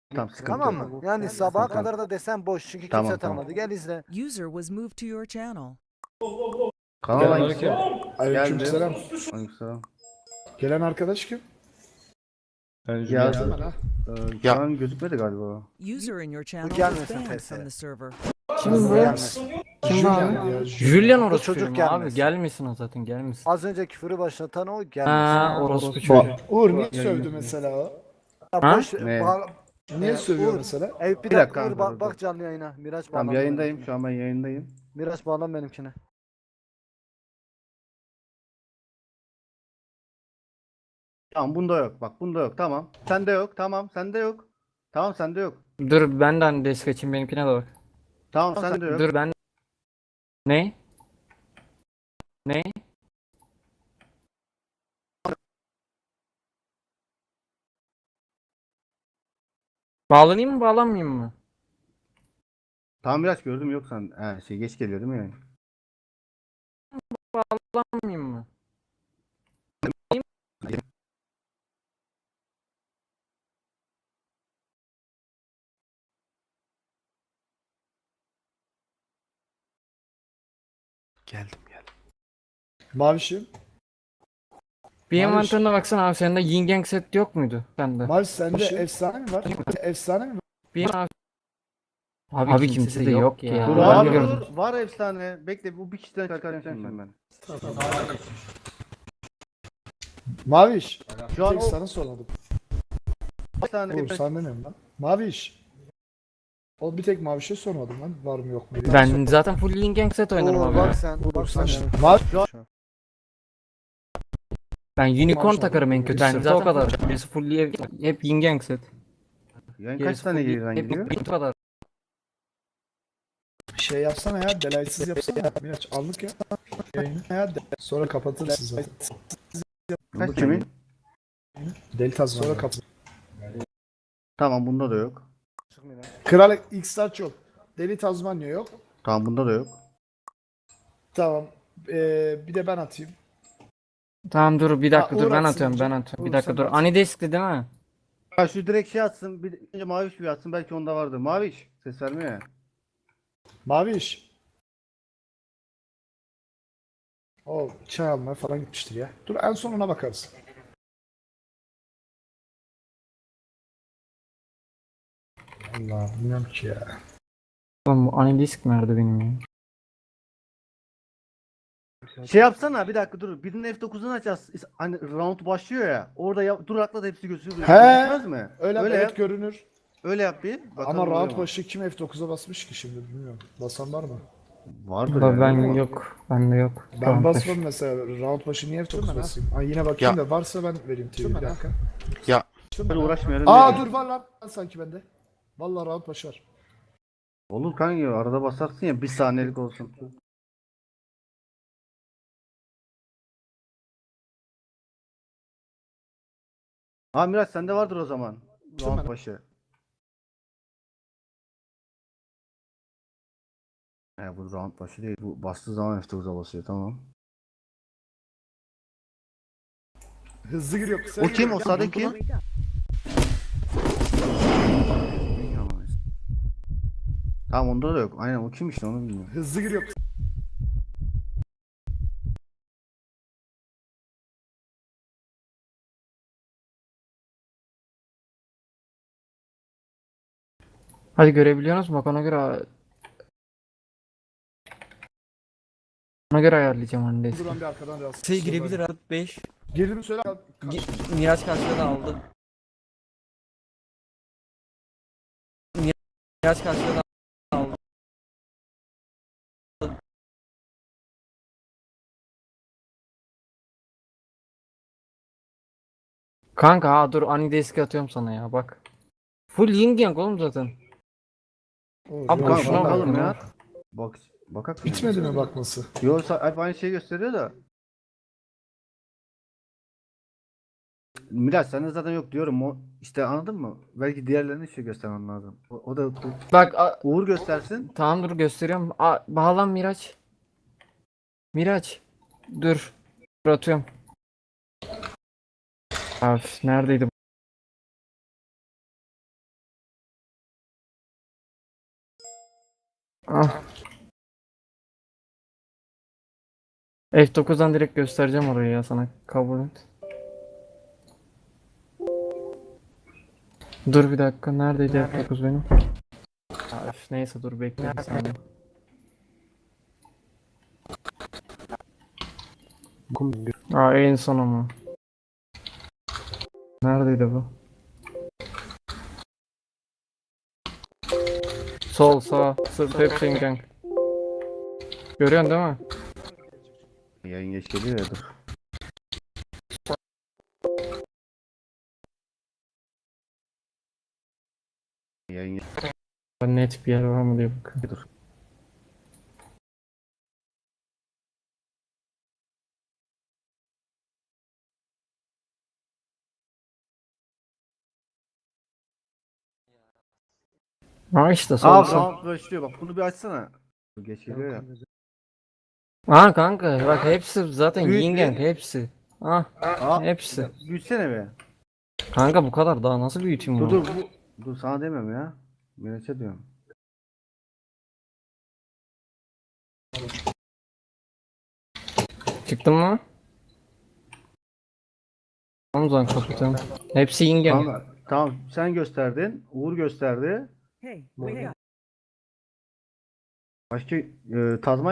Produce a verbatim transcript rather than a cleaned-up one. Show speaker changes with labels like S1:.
S1: Tamam, sıkıntı
S2: Tamam
S1: yok.
S2: mı? Yani sabaha
S1: Tamam.
S2: kadar da desen boş çünkü
S1: Tamam,
S2: kimse
S1: tamam.
S2: tanımadı. Gel izle.
S3: User was moved to your channel.
S1: Kanal hangisi?
S4: Selamünaleyküm. Aleykümselam.
S1: Aleykümselam.
S4: Gelen arkadaş kim?
S1: Ya,
S4: Gelsin bana.
S1: e, şu an gözükmedi galiba.
S3: User in your channel was
S2: gelmesin
S3: banned
S2: F S.
S3: from the server.
S5: Kim
S2: Bu
S5: bu?
S2: gelmesin.
S5: Kim bu
S4: Julian
S5: abi?
S4: ya,
S5: Julian
S2: Bu
S5: orospu
S2: çocuk
S5: çocuğu mu abi?
S2: gelmesin.
S5: Gelmesin o zaten gelmesin.
S2: Az önce küfürü başlatan o gelmesin.
S5: Ha orospu çocuğu.
S4: Ba- Uğur niye sövdü mesela o?
S2: Ya
S5: Ha?
S2: boş,
S1: Ne?
S2: bağla-
S4: Niye
S2: Ee,
S4: sövüyor
S2: Uğur,
S4: mesela?
S2: Ev bir
S1: Bir
S2: dakika
S1: dakika
S2: Uğur
S1: kanka,
S2: bak,
S1: dur,
S2: bak
S1: dur.
S2: canlı yayına. Miraç
S1: Tamam,
S2: bağlan
S1: yayındayım.
S2: benimkine.
S1: Şu an ben yayındayım.
S2: Miraç bağlan benimkine.
S1: Tamam, bunda yok. Bak, bunda yok. Tamam. Sende yok. Tamam, sende yok. Tamam, sende yok.
S5: Dur ben de hani desk açayım benimkine de bak.
S1: Tamam, sende yok.
S5: Dur ben. Ne? Ne? Bağlanayım mı bağlanmayayım mı?
S1: Tamam, biraz gördüm, yok sen. He, şey geç geliyor değil mi yani?
S5: Bağlanmayayım mı?
S2: Geldim geldim.
S4: Mavişim.
S5: Bir
S4: Maviş.
S5: envanterine baksana abi sende yin gang set yok muydu sende?
S4: Maviş sende efsane mi var? Efsane mi var?
S5: Bir abi, abi, abi kimse de yok ya.
S1: Dur
S5: Ben
S1: abi,
S5: gördüm.
S1: dur. Var efsane. Bekle, bu bir kişiden çıkartacağım şimdi ben.
S4: Maviş.
S1: Şu an
S4: Tek
S1: o
S4: sana sormadım.
S1: bir tane
S4: Uğur sen demiyorum lan. Maviş. O bir tek Maviş'e sormadım lan. Var mı yok mu diye.
S5: Ben zaten full yin gang set oynarım
S2: Uğur
S5: abi.
S2: bak sen.
S4: Uğur
S2: Bak
S4: sen
S2: sen.
S4: işte. Maviş.
S5: Ben unicorn
S4: Maşallah.
S5: takarım en kötü. Ben
S4: Zaten
S5: zaten o kadar. Birisi full hep, hep yin gang set.
S1: yani kaç
S5: Gerisi
S1: tane
S5: full-
S1: geriden
S5: hep
S1: gidiyor?
S5: bu kadar.
S4: Şey yapsana ya. Delaysız yapsana. Miraç anlık ya. Yayını ya. de- Sonra kapatırsın zaten.
S1: Kaç kimin?
S4: Delta sonra kapat.
S1: Tamam, bunda da yok.
S4: Kral X-Star yok. Deli Tazmanya yok.
S1: Tamam, bunda da yok.
S4: Tamam. Ee, bir de ben atayım.
S5: Tamam dur bir dakika
S4: Ha,
S5: dur
S4: Uğur
S5: ben
S4: atsın
S5: atıyorum
S4: önce.
S5: ben atıyorum. Bir
S4: Uğur,
S5: dakika
S4: sen
S5: dur.
S4: at.
S5: Anidesk'ti değil mi?
S1: Ha, şu direkt şey atsın. Bir önce Maviş bir atsın, belki onda vardır. Maviş ses vermiyor ya.
S4: Maviş. O çay almaya falan gitmiştir ya. Dur en sonuna bakarız. Allah bilmiyorum ki ya.
S5: Oğlum bu Anidesk nerede benim ya?
S1: Şey yapsana, bir dakika dur. Birinin F dokuzunu açacağız. Hani round başlıyor ya. Orada ya, dur atla da hepsi gözüküyor.
S4: He.
S1: Gözükmez mi?
S4: Öyle,
S1: Öyle
S4: evet
S1: yap.
S4: görünür.
S1: Öyle yap bir. Bakalım
S4: Ama
S1: oluyor
S4: rahat
S1: mu?
S4: başı kim F dokuza basmış ki şimdi bilmiyorum. Basan var mı?
S1: Vardır
S5: Ulan
S1: yani,
S5: ben
S1: ama.
S5: yok. Bende yok.
S4: Ben
S5: Tamam,
S4: basmadım mesela. Round başı niye F dokuz basayım? Ay yine bakayım da varsa ben vereyim T V bir dakika.
S1: Böyle uğraşmayalım.
S4: Aa
S1: diye.
S4: dur var lan sanki bende. Vallahi round başı var.
S1: Olur kanka, arada basarsın ya, bir saniyelik olsun. Ha Miraç, sende vardır o zaman. Round başı. He, bu round başı değil. Bu bastığı zaman F dokuza basıyor, tamam.
S4: Hızlı giriyor. kısa
S1: O kim?
S4: giriyor.
S1: O sağdaki kim? Tamam, onda da yok. Aynen, o kim işte, onu bilmiyorum.
S4: Hızlı giriyor.
S5: Hadi görebiliyorsunuz mu? Bak ona göre ona göre ayarlayacağım Anidesk'i.
S4: Duran bir arkadan biraz.
S6: Şey girebilir abi beş.
S4: Girdi mi söyle.
S6: Gi- Miraç karşıladı aldı. Miraç karşıladı aldı.
S5: Kanka ha dur Anidesk'i atıyorum sana ya bak. Full yin gang oğlum zaten. Abi
S1: Kanka
S5: boşuna
S1: bakalım
S5: bak
S1: ya.
S5: ya.
S1: Bak, bakak.
S4: Bitmedi mi bakması?
S1: Yo, sa- hep aynı şeyi gösteriyor da. Miraç sende zaten yok diyorum. O işte, anladın mı? Belki diğerlerine şey göstermem lazım. O, o da
S5: Bak a-
S1: Uğur göstersin.
S5: tamam dur gösteriyorum. A, bağlan Miraç. Miraç. Dur. Dur atıyorum. Abi neredeydi Ah. F dokuzdan direkt göstereceğim orayı ya sana. Kabul et. Dur bir dakika. Neredeydi F dokuz benim? Ha, üf, neyse dur bekle bir saniye. Aa en son ama. Neredeydi bu? Sol sağ. Sırf hep senin kanka. Görüyorsun değil mi?
S1: Yayın geç geliyor ya dur. Yayın geç
S5: Net bir yer var mı diye bakıyorum.
S1: dur.
S5: Aa işte sol
S1: Aa
S5: sol.
S1: round başlıyor bak bunu bir açsana. Bu geç geliyor ya.
S5: Aa kanka bak hepsi zaten
S1: Büyük
S5: yin
S1: bir-
S5: yang hepsi. Ah
S1: Aa
S5: hepsi.
S1: büyütsene be.
S5: Kanka bu kadar daha nasıl büyüteyim
S1: Dur
S5: bunu?
S1: dur bu. Dur sana demiyorum ya. Miraç'a diyorum.
S5: Çıktın mı? Tamam o zaman kapatıyorum. Hepsi yin yang.
S1: Tamam, tamam sen gösterdin. Uğur gösterdi.
S3: Hey, wake up.
S1: Başka e, Tazmanya